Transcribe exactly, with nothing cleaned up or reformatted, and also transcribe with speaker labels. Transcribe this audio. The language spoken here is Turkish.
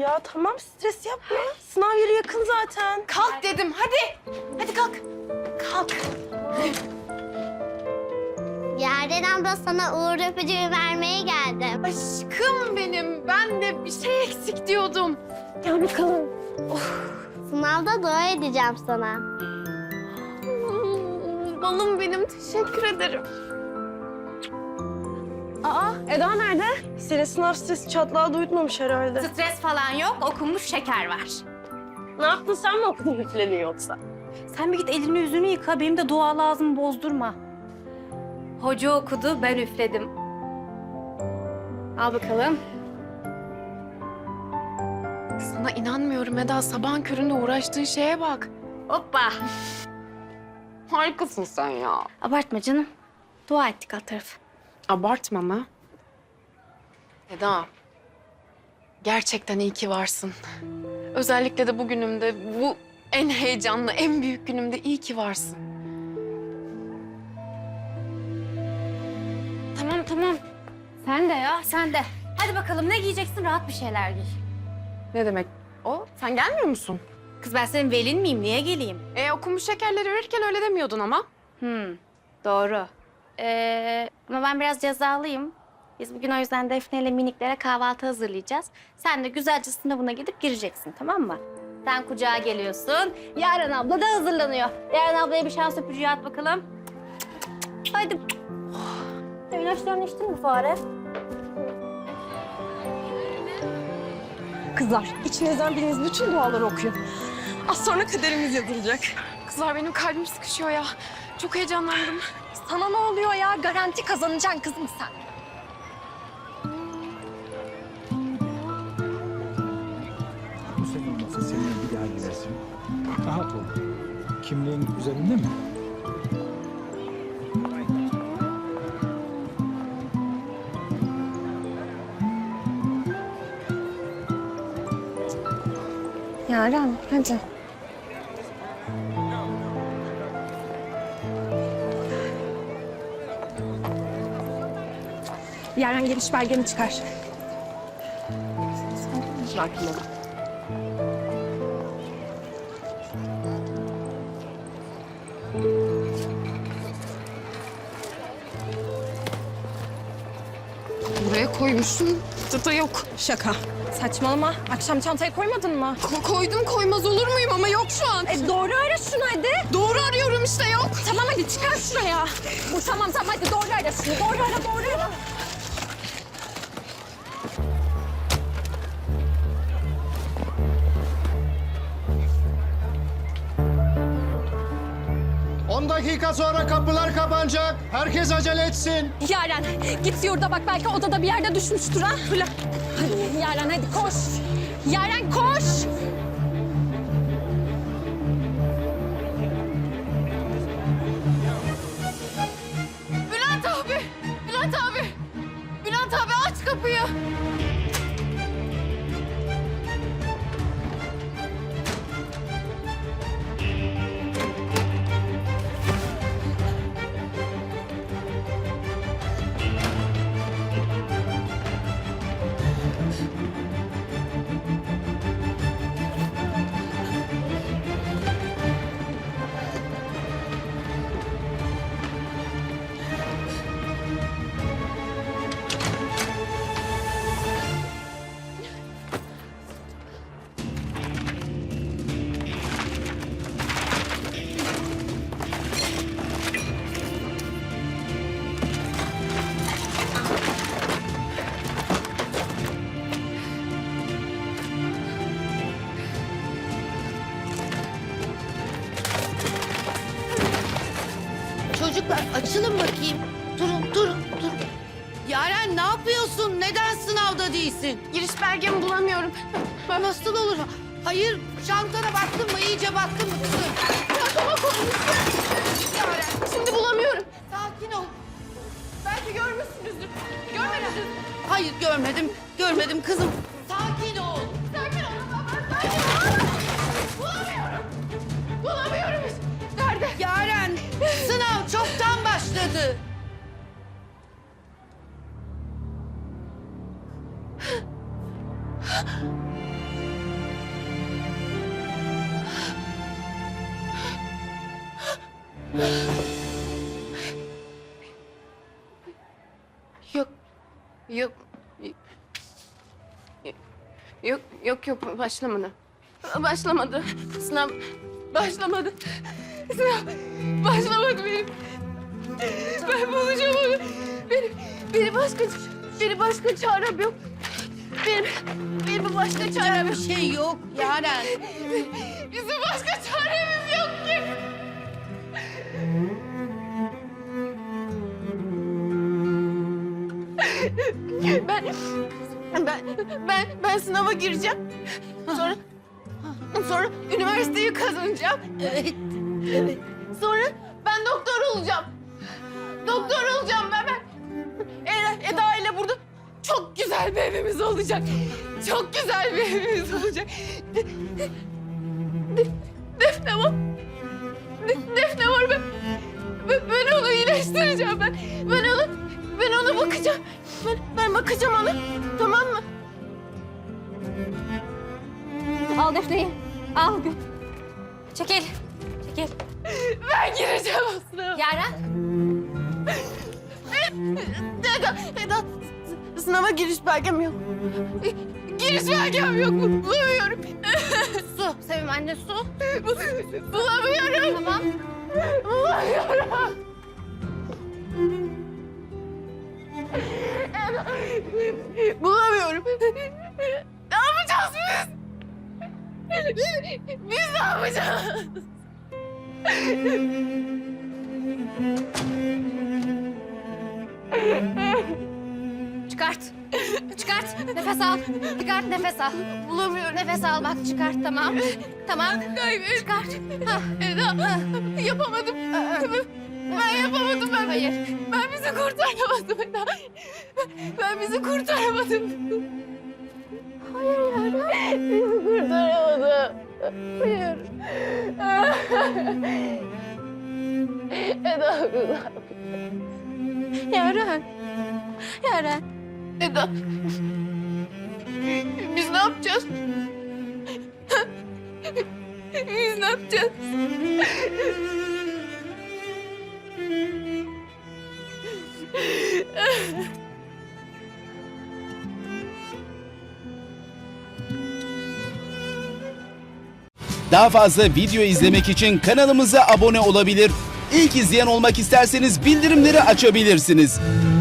Speaker 1: ya. Tamam, stres yapma. Sınav yeri yakın zaten.
Speaker 2: Kalk dedim, hadi. Hadi kalk. Kalk.
Speaker 3: Yaren abla sana uğur öpücüğü vermeye geldim.
Speaker 2: Aşkım benim, ben de bir şey eksik diyordum.
Speaker 1: Gel bakalım.
Speaker 3: Sınavda dua edeceğim sana.
Speaker 2: Hmm, balım benim, teşekkür ederim.
Speaker 1: Aa, Eda nerede? Senin sınav stresi çatlağı duyutmamış herhalde.
Speaker 4: Stres falan yok, okunmuş şeker var.
Speaker 1: Ne yaptın, sen mi okudun üfledin yoksa?
Speaker 4: Sen bir git elini yüzünü yıka, benim de dua lazım bozdurma. Hoca okudu, ben üfledim. Al bakalım.
Speaker 2: Sana inanmıyorum Eda, sabahın köründe uğraştığın şeye bak.
Speaker 4: Hoppa.
Speaker 2: Harikasın sen ya.
Speaker 4: Abartma canım. Dua ettik alt tarafı.
Speaker 2: Abartma mı? Eda, gerçekten iyi ki varsın. Özellikle de bugünümde, bu en heyecanlı, en büyük günümde iyi ki varsın.
Speaker 4: Tamam tamam. Sen de ya, sen de. Hadi bakalım ne giyeceksin? Rahat bir şeyler giy.
Speaker 2: Ne demek o? Sen gelmiyor musun?
Speaker 4: Kız ben senin velin miyim? Niye geleyim?
Speaker 2: E okumuş şekerleri verirken öyle demiyordun ama.
Speaker 4: Hmm, doğru. Ee, ama ben biraz cezalıyım. Biz bugün o yüzden Defne ile miniklere kahvaltı hazırlayacağız. Sen de güzelce sınavına gidip gireceksin, tamam mı? Sen kucağa geliyorsun. Yaren abla da hazırlanıyor. Yaren ablaya bir şans öpücüğü at bakalım. Hadi. Oh. İlaçlarını içtin mi fare?
Speaker 1: Kızlar, içinizden biriniz bütün duaları okuyun. Az sonra kaderimiz yazılacak.
Speaker 2: Kızlar benim kalbim sıkışıyor ya. Çok heyecanlandım.
Speaker 1: Sana ne oluyor ya? Garanti kazanacaksın kızım sen.
Speaker 5: Bu senin olmasa seninle bir daha gidersin. Rahat ol. Kimliğin üzerinde mi?
Speaker 1: Yaren, hadi. Yaren geliş belgeni çıkar. Sakin ol.
Speaker 2: Buraya koymuşsun, çıta yok.
Speaker 1: Şaka. Saçmalama. Akşam çantaya koymadın mı?
Speaker 2: Ko- koydum koymaz olur muyum ama yok şu an.
Speaker 1: E doğru ara şunu hadi.
Speaker 2: Doğru arıyorum işte yok.
Speaker 1: Tamam hadi çıkar şuraya. Bu tamam tamam hadi doğru ara şunu. Doğru ara doğru ara.
Speaker 6: On dakika sonra kapılar kapanacak. Herkes acele etsin.
Speaker 1: Yaren git yurda bak belki odada bir yerde düşmüştür ha. Fırla. Hadi Yaren hadi koş. Yaren koş.
Speaker 2: Bülent abi, Bülent abi. Bülent abi aç kapıyı.
Speaker 7: Çocuklar açılın bakayım. Durun, durun, durun. Yaren ne yapıyorsun? Neden sınavda değilsin?
Speaker 2: Giriş belgemi bulamıyorum.
Speaker 7: Ben nasıl olur? Hayır, çantana baktın mı? İyice baktın mı kızım?
Speaker 2: Çantama koymuşsun. Yaren, şimdi bulamıyorum.
Speaker 7: Sakin ol.
Speaker 2: Belki görmüşsünüzdür. Görmediniz mi?
Speaker 7: Hayır görmedim, görmedim kızım. Sakin ol.
Speaker 2: Sakin ol ama ben sakin ol. Bulamıyorum. Bulamıyorum. Nerede?
Speaker 7: Yaren, sınav çoktan başladı.
Speaker 2: Yok. Yok. Yok yok yok başlamadı. Başlamadı. Sınav başlamadı. Sınav başlamadı benim. Ben bulacağım onu. Benim, benim başka, benim başka çarem yok. Benim, benim başka çarem yok.
Speaker 7: Bir şey yok Yaren.
Speaker 2: Bizim başka çaremiz yok ki. Ben, ben, ben, ben sınava gireceğim. Sonra, sonra üniversiteyi kazanacağım.
Speaker 7: Evet. Evet.
Speaker 2: Sonra ben doktor olacağım. Doktor olacağım ben. ben. Eda, Eda ile burada çok güzel bir evimiz olacak. Çok güzel bir evimiz olacak. De, de, Defne var. De, Defne var ben. Ben, ben onu iyileştireceğim ben. Ben onu, ben ona bakacağım. Ben, ben bakacağım ona. Tamam mı?
Speaker 1: Al Defne'yi. Al. Çekil. Çekil.
Speaker 2: Ben gireceğim aslında.
Speaker 1: Yaren.
Speaker 2: Eda, Eda, s- sınava giriş belgem yok. Giriş belgem yok. Bulamıyorum.
Speaker 4: Su, Sevim anne su.
Speaker 2: Bulamıyorum.
Speaker 4: Tamam.
Speaker 2: Bulamıyorum. Bulamıyorum. Ne yapacağız biz? Biz ne yapacağız?
Speaker 4: Çıkart. Çıkart. Nefes al. Çıkart nefes al.
Speaker 2: Bulamıyorum.
Speaker 4: Nefes al bak çıkart tamam. Tamam. Çıkart. Hah.
Speaker 2: Eda, yapamadım. Ben yapamadım ben.
Speaker 4: Hayır.
Speaker 2: Ben bizi kurtaramadım Eda. Ben bizi kurtaramadım. Hayır ya. Bizi kurtaramadım. Hayır. Eda.
Speaker 4: Yaren. Yaren.
Speaker 2: Eda. Biz ne yapacağız? Biz ne yapacağız?
Speaker 8: Daha fazla video izlemek için kanalımıza abone olabilir. İlk izleyen olmak isterseniz bildirimleri açabilirsiniz.